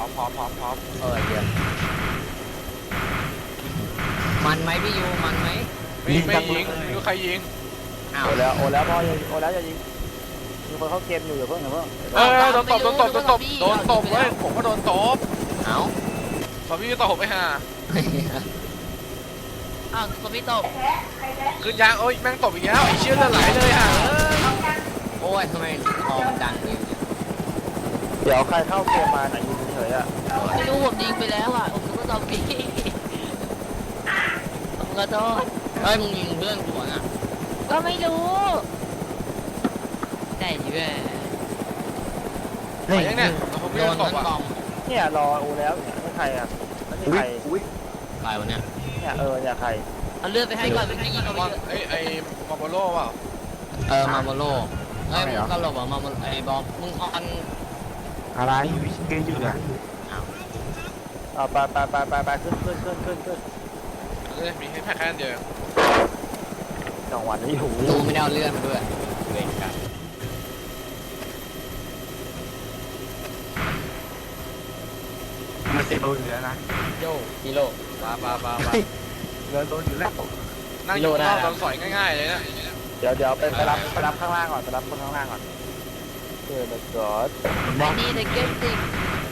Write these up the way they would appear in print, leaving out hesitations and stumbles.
พร้อมเดี๋ยวมันไหมพี่ยูมันไหมไม่ยิงไม่รู้ใครยิงอ้าวโอแล้วพ่อโอแล้วอย่ายิงมีคนเข้าเกมอยู่อย่าเพิ่งโดนตบโดนตบเว้ยผมก็โดนตบเอ้าซอมบี้ตบไปห่าอ้าวซอมบี้ตบขึ้นยางโอ้ยแม่งตบอีกแล้วไอ้เชี่ยเลือดไหลเลยห่าโอ้ยทำไมคอมดังอย่างนี้เดี๋ยวใครเข้าเกมมาไหนยิงเฉยอ่ะไม่รู้ผมยิงไปแล้วอ่ะผมก็ซอมบี้ผมขอโทษเฮ้ยมึงยิงเพื่อนหัวน่ะก็ไม่รู้ได้ดิแม่ไปยังเนี่ยผมไม่โดนตบอ่ะเนี่ยรอโอแล้วเนี่ยไม่ใครอ่ะไม่ใครใครวะเนี่ยเนี่ยใครเอาเลือดไปให้ก่อนเป็นยิงเอาไปไอ้มาโบโล่เปล่ามาโมโลเฮ้ยมึงตลกเหรอมาโมไอ้บอมมึงออนอะไรเกมอยู่นะเอาไปขึ้นมีให้แพ้แค่เดียวจังหวะนี้หูดูไม่ได้เอาเลื่อนมาด้วยเล่นกันมันจะโดนอยู่แล้วนะโยกิโลบ้าเงินโดนอยู่แล้วนั่งอยู่นอกโดนสอยง่ายๆเลยนะเดี๋ยวไปรับข้างล่างก่อนไปรับคนข้างล่างก่อนมาก่อนนี่ในเกมจริง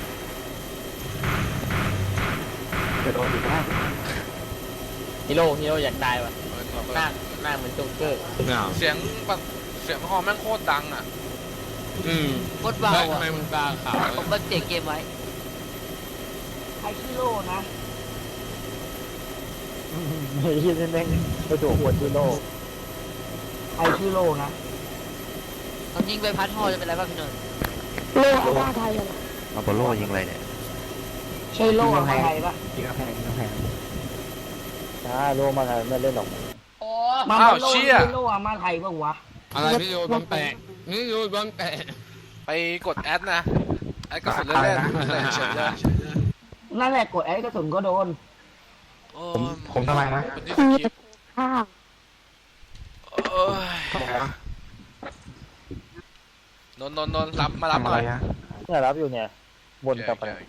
จะโดนอยู่แล้วฮีโร่อยากตายว่ะหน้าเหมือนโจ๊กเกอร์เสียงฮอแม่งโคตรดังอ่ะโคตรเบาอ่ะทำไมมึงตาขาวผมก็เสียงเกมไว้ไอชิโร่นะไม่ยินแม่งไปตัวหัวชิโร่ไอชิโร่นะตอนยิงไปพัดฮอจะเป็นไรบ้างพี่นนท์โล่อาบ้าไทยอะไรมาโบโล่ยิงอะไรเนี่ยใช่โล่อาบ้าไทยปะยิงแพงโล่มาไงไม่เล่นหรอกโอ้มาโล่อามาไทยปะวะอะไรพี่โยบอมแปะนี่โยบอมแปะไปกดแอดนะแอดกระสุนเล่นเฉยเลยนั่นแหละกดแอดกระสุนก็โดนผมทำไมนะนนรับมารับอะไรเนี่ยรับอยู่เนี่ยบนกับอะไร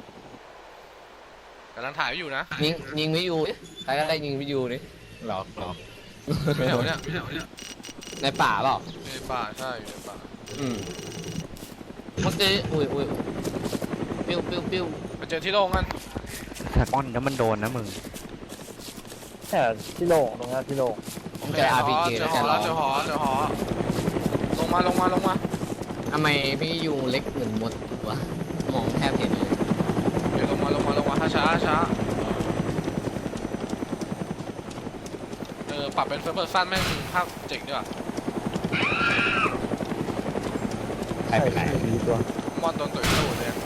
กำลังถ่ายอยู่นะยิงไม่อยู่ใครก็ได้ยิงไม่อยู่นี่หรอไม่แถวเนี่ยในป่าเปล่าในป่าใช่อยู่ในป่าเมื่อกี้อุ้ยปิ้วไปเจอที่โล่งกันแต่ป้อนแล้วมันโดนนะมึงแต่ที่โล่งตรงนี้ที่โล่งเจอ RPG เจอหอลงมาทำไมพี่ยูเล็กเหมือนมดวะมองแทบเห็นเลยเดี๋ยวลงมาช้าปรับเป็นเฟิร์สเพอร์ซันแม่งภาพเจ๋งดีว่ะใครเป็นไรตัวมอนโดนตุ๋ยตู้เลย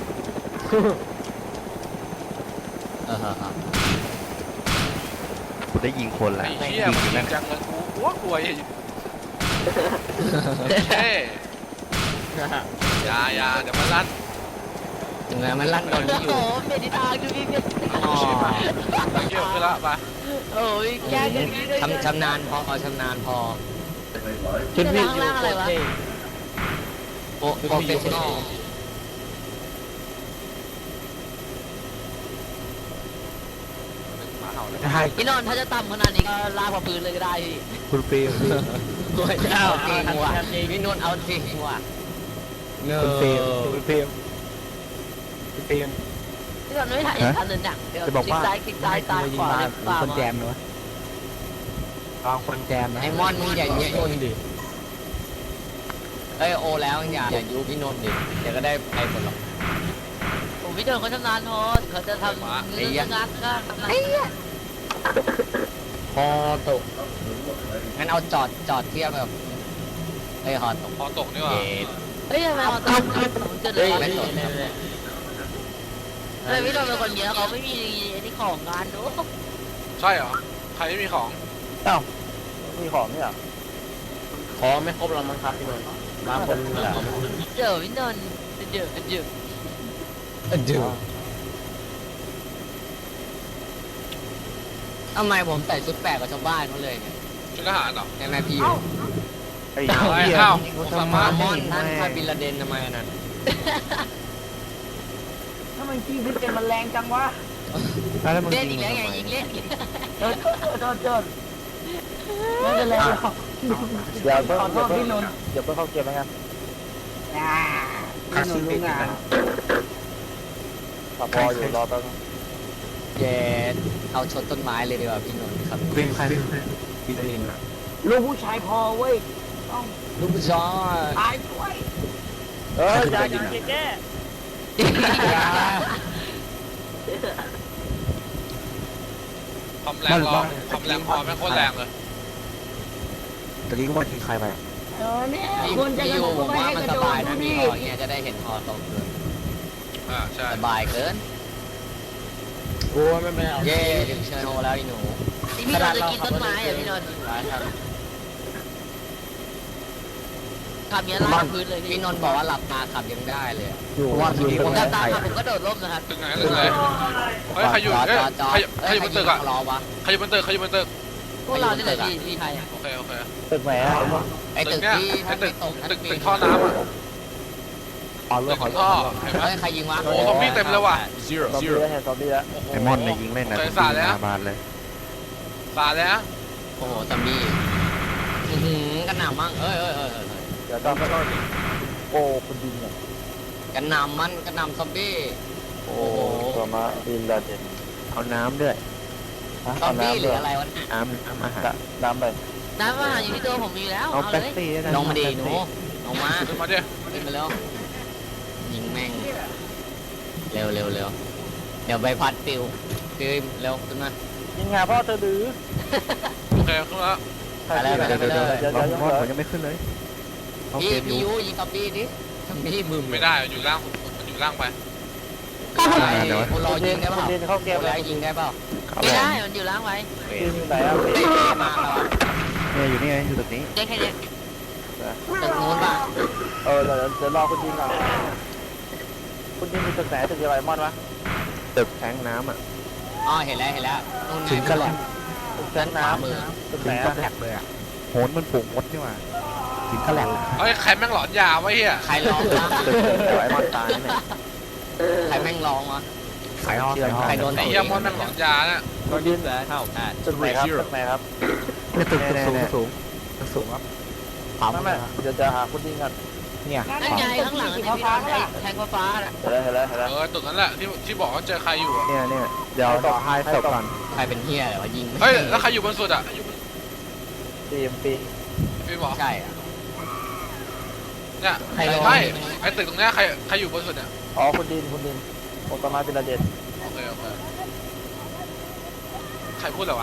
กูได้ยิงคนแล้วไอ้เหี้ยมันยิงจังเลยกูกลัวอย่าเดี๋ยวมันลั่นมันลั่นโดนที่อยู่โอ้เมดิทางดูดิเนี่ยต้องเยอะขึ้นละไปโอ้ยแก้กันนี้เลยชำนาญพอชุดนี้อยู่อะไรวะโปรเฟชชั่นอลพี่นนท์ถ้าจะต่ำขนาดนี้ก็ลากกว่าปืนเลยก็ได้พี่คุณปีมเอาจริงว่ะพี่นนท์เอาจริงว่ะคุณปีมพี่นนท์ไม่ถ่ายทันเลยหนังเดี๋ยวคลิกซ้ายตายขวาคนแจมเนาะคนแจมไอ้มอนมึงอย่ายุบดิเอ้ยโอแล้วอย่ายุบพี่นนท์ดิเดี๋ยวก็ได้ไปผลหรอกผมพี่นนท์เขาชำนาญพอเขาจะทำเรื่องงานก็ทำงานพอตกงั้นเอาจอดเทียบแบบฮอตกนี่ว่ะเฮ้ยทำไมฮอตกผมจะเลยไม่สนเลยพี่นนท์เป็นคนเยอะเขาไม่มีนี่ของงานดูใช่เหรอใครไม่มีของมีของเนี่ยของไม่ครบแล้วมั้งครับพี่นนท์บางคนเดี๋ยวพี่นนท์เดี๋ยวทำไมผมใส่ชุดแปลกกับชาวบ้านเขาเลยเนี่ยชุดทหารเหรอใช่ไหมพี่ไอ้สามารถมอนนั่นคาบิลลาเดนทำไมนั่นทมันขี้พิษเป็นมันแรงจังวะแล้วมึงเล่นยิอีงกแล้วทำไงไมยิงเล่นโทษไม่เป็นไรหรอกเดี๋ยวเพิ่งขอโทษพี่นนท์เดี๋ยวเพิ่งเข้าเกมแล้วกันพี่นนท์รู้งานพออยู่รอแป๊บนึงเย็ดเอาชนต้นไม้เลยดีกว่าพี่นนท์ครับวิ่งใครวิ่งเองอะลูกผู้ชายพอเว้ยต้องลูกผู้ชายตายด้วยอย่าแก้ความแรงพอแม่งโคตรแรงเลยตะกี้ก็ว่ายิงใครไปเนี่ยพี่ควรจะพี่กอระโดยู่ดผมไม่ว่าให้มันกระสโดบาดยนะดูมีดิคออย่างเงี้ยจะได้เห็นคอตรงเลยใช่สบายเกินโอ้ไม่เป็นไรเย่ถึงเชิญโนแล้วอีหนูพี่นนท์จะกินต้นไม้อ่ะพี่นนท์ขับเนี้ยลากพื้นเลยพี่นนท์บอกว่าหลับตาขับยังได้เลยอะอยู่ว่าอยู่ผมขับตามผมก็โดดร่มนะครับตึกไหนตึกไหนเฮ้ยใครอยู่จอดเอ้ยจอดใครอยู่บนตึกอ่ะรอวะใครอยู่บนตึกใครอยู่บนตึกพวกเราเนี่ยแหละพี่ไทยอ่ะโอเคโอเคตึกไหนอะไอ้ตึกเนี่ยที่ไอ้ตึกตกตึกท่อน้ำอ่ะอ๋อเรื่ตึองกของท่อเห็นไหมเฮ้ยใครยิงวะโอ้ซอมบี้เต็มเลยว่ะซอมบี้แล้วเห็นซอมบี้แล้วโโหไอ้มอนเนี่ยยิงเล่นนะเคยสาดแล้วบานเลยสาดแล้วโอ้โหซอมบี้อื้อหือกระหน่ำมั่งเอ้ยเดี๋ยวต้องโอ้คุณดินเนี่ยกระหน่ำมันกระหน่ำซอมบี้โอ้ตัวมาดินดาเด่นเอาน้ำด้วยซอมบี้หรืออะไรวะเนี่ยน้ำอาหารน้ำไปน้ำอาหารอยู่ที่ตัวผมมีอยู่แล้วเอาเอาแป๊บเลยซี่ลงมาดีหนูลงมาขึ้นมาดิขึ้นมาเร็วยิงแม่งเร็วเดี๋ยวใบพัดปิวฟิวเร็วขึ้นมายิงงาพ่อเธอหรือโอเคขึ้นแล้วไปเลยเดี๋ยวผมยังไม่ขึ้นเลยพี่พี่ยูยิงซอมบี้ดิซอมบี้มึมไม่ได้อยู่ล่างมันอยู่ล่างไปโอรอยิงได้เปล่าดินเข้าเกมโอรแล้อยิงได้เปล่าไม่ได้มันอยู่ล้างไว้ดินอยู่ไหนอ่ะมาแล้วเนี่ยอยู่นี่ไงอยู่ตึกนี้เจ๊แค่เนี้ยตึกนู้นป่ะเดี๋ยวรอคุณดินก่อนคุณดินอยู่ตึกไหนตึกอะไรมอนวะตึกแทงน้ำอ่ะอ๋อเห็นแล้วนู่นไงถึงกันแหละตึกแทงน้ำมือตึกไหนอะแหลกเลยอ่ะโหนมันปุ่งมดนี่ว่าถึงกันแหลกเฮ้ยใครแม่งหลอนยาไว้เฮียใครร้องวะตึกไอ้มอนตายเนี่ยใครแม่งร้องวะขายห้องใครโดนไอ้เฮียมอนแม่งหลอนยาเนี่ยคุณดินตึกไหนครับตึกไหนครับตึกสูงสูงครับไม่เดี๋ยวจะหาคุณดินกันเนี่ยนั่นไงข้างหลังเนี่ยพี่นนท์ไอ้แทงฟ้าๆน่ะเห็นแล้วตึกนั้นแหละที่บอกว่าเจอใครอยู่อ่ะเนี่ยเดี๋ยวต่อให้ศพก่อนใครเป็นเฮียเหรอวะยิงเฮ้ยแล้วใครอยู่บนสุดอ่ะปีพี่บอกใช่อะเนี่ยใครลงไม่ไอ้ตึกตรงเนี้ยใครอยู่บนสุดเนี่ยอ๋อคุณดินโอตมาเป็นระเด็ดโอเคใครพูดเหรอวะ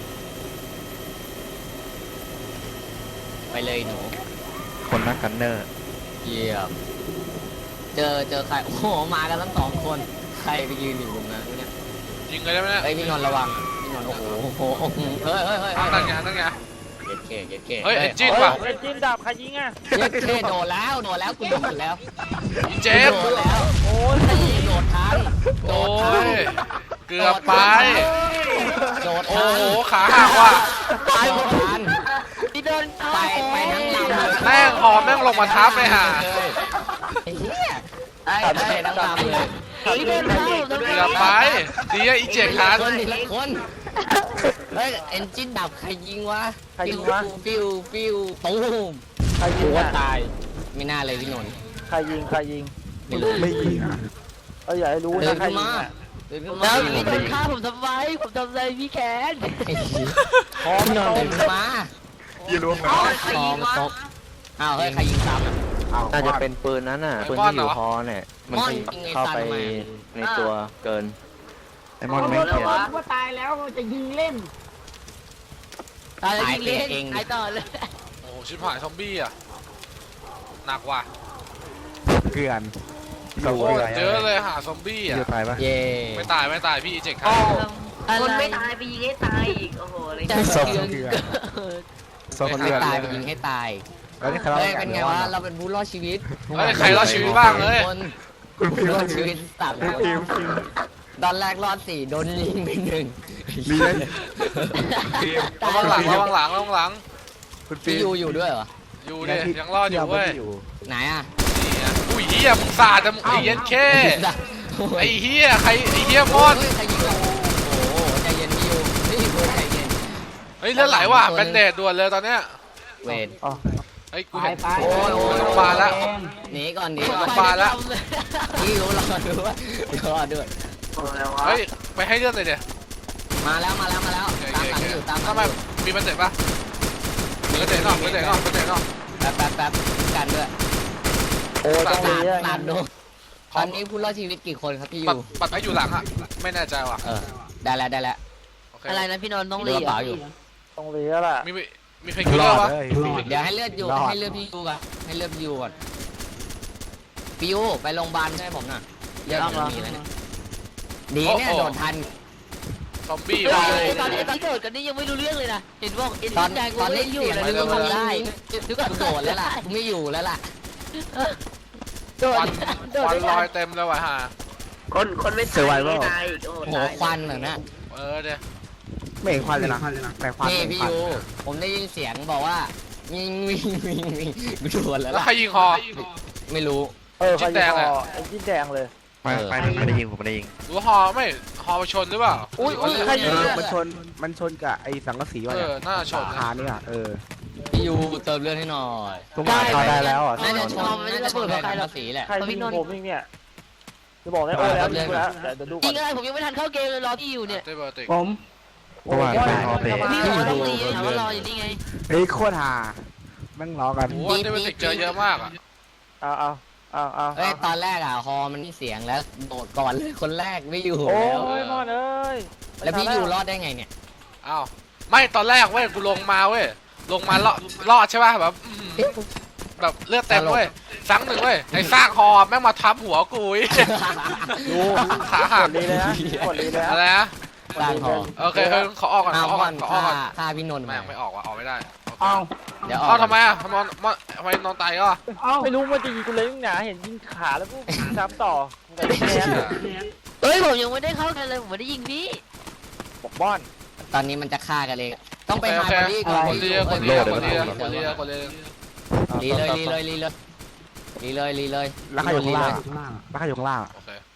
ไปเลยหนูคนนักกันเนอร์เยี่ยมเจอใครโอ้โหมากันทั้งสองคนใครไปยืนอยู่ตรงนั้นเนี่ยยิงเลยได้ไหมเนี่ยเฮ้ยพี่นนท์ระวังพี่นนท์โอ้โหเฮ้ยนั่นไงนั่นไงเย็ดเคเฮ้ยเอ็นจินว่ะเอ็นจินดับใครยิงอ่ะเย็ดเคโดดแล้วกูโดดแล้วอีเจมโดดแล้วโอ้ยโดดทันโอ้ยเกือบไปโดดโอ้ทันโหขาหักว่ะตายหมดทันพี่นนท์ไปทั้งลำเลยแม่งหอมแม่งลงมาทับเลยห่าไอ้เหี้ยไอ้ทั้งลำเลยพี่นนท์เข้าผมทำไมเกือบไปดีอะอีเจกทันคนทีละคนเฮ้ยเอนจินดับใครยิงวะฟิวตูมใครยิกูงว่าอ่ะตายไม่น่าเลยพี่นนท์ใครยิงไม่รู้ไม่ยิงอย่าให้รู้เดินะนใครขึ้นยิงมาอ่ะเดินขึ้นแล้มาวพี่นนท์ฆ่าผมทำไมผมทำอะไรพี่แคนพี่นนท์เดินขึ้นมาอย่ารู้อ๋อใครยิงวะอ้าวเฮ้ยใครยิงซ้ำอ่ะน่าจะเป็นปืนนั้นน่ะปืนที่อยู่ฮอเนี่ยมันเข้าไปในตัวเกินไอมอนไม่เขียนว่าตายแล้วจะยิงเล่นตายแล้วยิงเล่นตายต่อเลยโอ้โหชิบหายซอมบี้อ่ะหนักว่ะเกลือนโคตรเยอะเลยหาซอมบี้อ่ะจะตายปะเย่ไม่ตายพี่อีเจกทันคนไม่ตายไปยิงให้ตายอีกโอ้โหเลยสองเกลือนสองให้เกลือนตายไปยิงให้ตายแล้วนี่ใครเฮ้ยเป็นไงวะเราเป็นผู้รอดชีวิตเฮ้ยใครรอดชีวิตบ้างเลยคุณพิมรอดพ์ชีวิตตัดคุณพิมพ์ตอนแรกรอด4โดนยิงไป1 เรียนระวังหลังคุณพี่พิมยูพ์อยู่ด้วยเหรออยู่ดิยังรอดอยู่เว้ยไหนอ่ะนี่อ่ะอุ้ยเฮียมึงสาดแต่มึงไอ้เย็นแค่ไอ้เหี้ยใครไอ้เหี้ยมอนเฮ้ยใครยิงเราโอ้โหใจเย็นพี่ยูนี่ดูใจเย็นเฮ้ยเลือดไหลว่ะแบนเดดด่วนเลยตอนเนี้ยเวทอ๋อเฮ้ยกูไปเห็นไปโอ้ยโอ้ยมาแล้วหนีก่อนหนีโรงพก่อนยาบาลแล้วพี่ยูรอด้วยรอด้วยเฮ้ยไปให้เลือดเลยเดี๋ยวมาแล้วตามหลังอยู่ตามหลัทำงไมอยู่มีแบนเดดปะแบนเดดเนาะแบนเดดเนาะแบนเดดเนาะแป๊บกันด้วยโอ้ต้องสาเลี้ยดโดนตอนนี้ผู้รอดชีวิตกี่คนครับพี่ยูปัดไปอยู่หลังอะไม่แน่ใจว่ะได้แล้วโอเคอะไรนะพี่นนท์ต้องดูรีกระบเป๋าอยู่ต้องเลี้ยแหละมีเพลงคิลเลอร์ปะเดี๋ยวให้เลือดอยู่ให้เลือดพี่ยูก่อนให้เลือดพี่ยูก่อนพี่ยูไปโรงพยาบาลให้ผมหน่อยเลือดมันมีแล้วเนี่ยดีเนี่ยโดดทันซอมบี้เฮ้ว่ะยตอนที่โดดกันนี่ยังไม่รู้เรื่องเลยนะเห็นบอกเอ็นตอนแดงตอนนี้อยู่เสียงเลยมันนึกว่าทำได้นึกว่าโดดแล้วล่ะไม่อยู่แล้วล่ะโดคดวันโดดควันได้ลอยเต็มเลยว่ะฮะคนไม่ตายไม่ตายโอ้โหควันเหรอนะเดี๋ยวไม่เห็นควันเลยนะแต่ควันนี่พี่ยูผมได้ยินเสียงบอกว่าวิ่งโดดแล้วแล้วล่ะใครยิงคอไม่รู้ใครยิงคอไอ้จิ้นแดงเลยไม่ได้ยิงผมไม่ได้ยิงหรือฮอไม่ฮอไปชนหรือเปล่าอุ้ยใครยิงมันชนกับไอ้สังกะสีวะน่าชนขาเนี่ยพี่ยูเติมเลือดให้หน่อยตรงไหนเข้าได้แล้วอ่ะน่าจะชนน่าจะชนแรงสีแหละใครยิงผมอีกเนี่ยจะบอกได้แล้วยิงแล้วเดี๋ยวดูยิก่อง นอะไรผมยังไม่ทันเข้าเกมเลยรอที่อยู่เนี่ยเตเบอร์ติกผมโอ้ยพี่บอกว่าต้องรีถามว่ารออยู่นี่ไงเฮ้ยโคตรฮาแม่งล้อกันโอ้เตเบอร์ติกเจอเยอะมากอ่ะเอาเอ้ยตอนแรกอ่ะฮอมันมีเสียงแล้วโดดก่อนเลยคนแรกไม่อยู่โอ้แล้วยมอนเอ้ยแล้วพี่ยูรอดได้ไงเนี่ยอ้าวไม่ตอนแรกเว้ยกูลงมาเว้ยลงมารอดใช่ป่ะแบบเลือดเต็มเว้ยสังหนึ่งเว้ยไอ้ซากฮอแม่งมาทับหัวกูอีกดูกดลีเลยนะกดลีเลยอะไรนะสร้างฮอโอเคขอออกก่อนเอาขอออกก่ก่ออน นขอออกก่อนฆ่าพี่นนท์แม่งไม่ออกว่ะออกไม่ได้เอาเดี๋ยวออกเอ้าทำไมอ่ะทำไมนอนตายก็เอาไม่รู้มันจะยิงกูเลยหนาเห็นยิงขาแล้วกูซ้ำต่อแต่แย่เฮ้ยผมยังไม่ได้เข้ากันเลยผมไม่ได้ยิงพี่บอกบ้อนตอนนี้มันจะฆ่ากันเลยต้องไปโอหาเคบอดี้ก่อนคนเรียคนเรียเลยรีเลยแล้วใครอยู่ข้างล่างแล้วใครอยู่ข้างล่างโอเค